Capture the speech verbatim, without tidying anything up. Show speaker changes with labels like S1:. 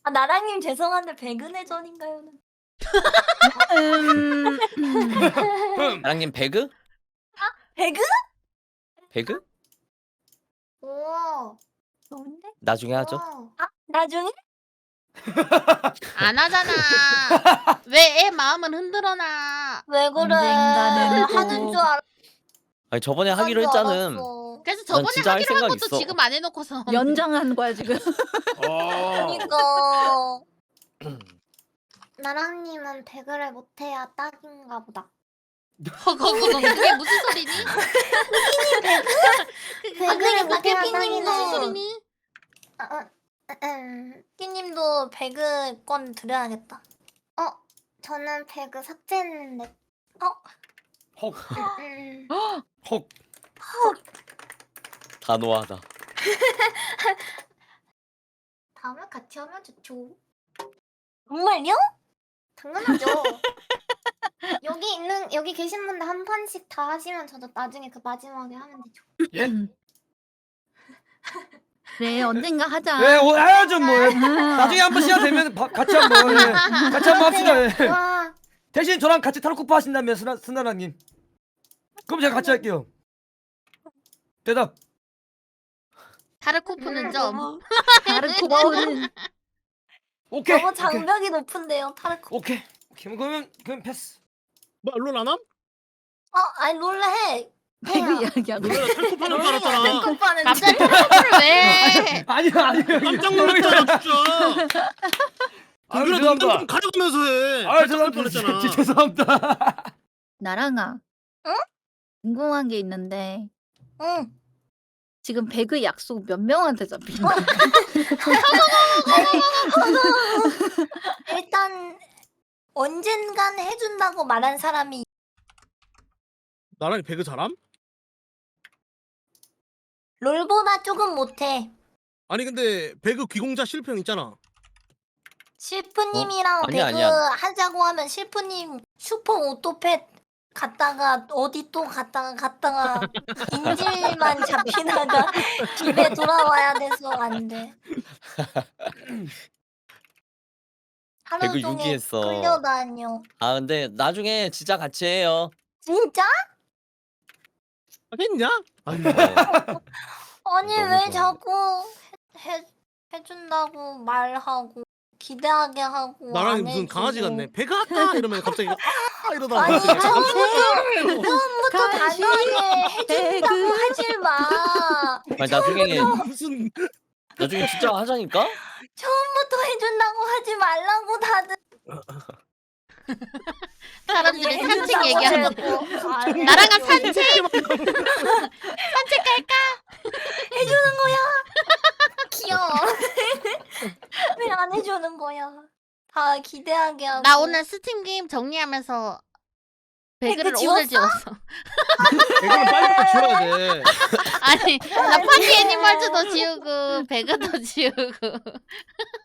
S1: 아, 나랑님 죄송한데 배그네 전인가요?
S2: 음, 음.
S3: 나랑님 배그?
S1: 배그?
S3: 배그?
S1: 오, 좋은데?
S3: 나중에 하죠.
S1: 아, 나중에?
S4: 안 하잖아. 왜 애 마음은 흔들어놔.
S1: 왜 그래?
S2: 언젠가는
S1: 하는
S2: 또.
S1: 줄 알았어.
S3: 아니 저번에 하기로 했잖음.
S1: 알았어.
S4: 그래서
S3: 난
S4: 저번에
S3: 진짜 할
S4: 하기로 한
S3: 생각
S4: 것도
S3: 있어.
S4: 지금 안 해놓고서
S2: 연장한 거야 지금.
S1: 그러니까 나랑님은 배그를 못해야 딱인가 보다.
S4: 허거거거 그게 무슨 소리니?
S1: 배그를 못해야
S4: 무슨
S1: 딱이네.
S4: 소리니?
S1: 어, 어, 음, 끼님도 배그권 드려야겠다. 어, 저는 배그 삭제했는데. 어,
S5: 헉,
S1: 음,
S5: 헉.
S3: 단호하다.
S1: 다음에 같이 하면 좋죠. 정말요? 당연하죠. 여기 있는 여기 계신 분들 한 판씩 다 하시면 저도 나중에 그 마지막에 하면 되죠.
S5: 예?
S2: 그래 언젠가 하자.
S5: 예, 오, 해야죠 뭐. 예.
S2: 아.
S5: 나중에 한번 시간 되면 바, 같이 한번 예. 같이 한번 합시다. 예.
S1: 와,
S5: 대신 저랑 같이 타로코파 하신다면 스나 스나라님. 그럼 제가 같이 할게요. 대답.
S4: 타르코프는 점.
S2: 다른 코바오는
S5: 오케이.
S1: 너무
S5: 오케이.
S1: 장벽이 높은데요, 타르코.
S5: 오케이. 오케이. 그러면 그럼 패스.
S6: 뭐 롤 안 함?
S1: 어, 아니 롤레 해.
S2: 배그 이야기하고.
S6: 롤레가 탈코파는 줄 알았잖아.
S1: 오빠는
S4: 갑자기 타르코프를 왜?
S5: 아니요, 아니요.
S6: 깜짝 놀랐잖아 진짜.
S5: 아유,
S6: 동그라
S5: 죄송합니다.
S6: 눈좀 가려가면서 해.
S5: 아유,
S6: 깜짝 놀랄
S5: 죄송합니다.
S6: 뻔했잖아.
S5: 제- 죄송합니다.
S2: 나랑아.
S1: 응?
S2: 궁금한 게 있는데
S1: 응.
S2: 지금 배그 약속 몇 명한테 잡힌 거야?
S1: 일단 언젠간 해준다고 말한 사람이
S6: 나랑 배그 잘함?
S1: 롤보다 조금 못해.
S6: 아니 근데 배그 귀공자 실패형 있잖아.
S1: 실프님이랑
S3: 어? 아니야,
S1: 배그
S3: 아니야.
S1: 하자고 하면 실프님 슈퍼 오토팻 갔다가 어디 또 갔다가 갔다가 인질만 잡히다가 집에 돌아와야 돼서 안 돼. 하루
S3: 배그
S1: 종일
S3: 유기했어.
S1: 끌려다녀.
S3: 아 근데 나중에 진짜 같이 해요.
S1: 진짜?
S6: 하겠냐? 아니
S3: 네.
S1: 아니
S3: 너무
S1: 왜
S3: 좋아요.
S1: 자꾸 해, 해 해준다고 말하고 기대하게 하고
S6: 나랑
S1: 안
S6: 무슨
S1: 해주고.
S6: 강아지 같네. 배그 할까? 이러면 갑자기 아 이러다가
S1: 아니
S6: 갑자기
S1: 처음부터 처음부터
S2: 가시,
S1: 단호하게 해준다고
S2: 배그.
S1: 하지 마.
S3: 아니 나중에
S6: 무슨
S3: 나중에 진짜 하자니까.
S1: 처음부터 해준다고 하지 말라고 다들.
S4: 사람들이 산책
S1: 해준다고
S4: 얘기하는 거.
S1: 해도 안 해.
S4: 나랑은 산책.
S1: 해주는 거야. 귀여워. 왜 안 해주는 거야? 다 기대하게 하고.
S4: 나 오늘 스팀 게임 정리하면서 배그를
S1: 배그
S4: 오늘
S1: 지웠어?
S4: 지웠어.
S6: 배그는 빨리 지워야 돼.
S4: 아니 나 파티 애니멀즈도 지우고 배그도 지우고.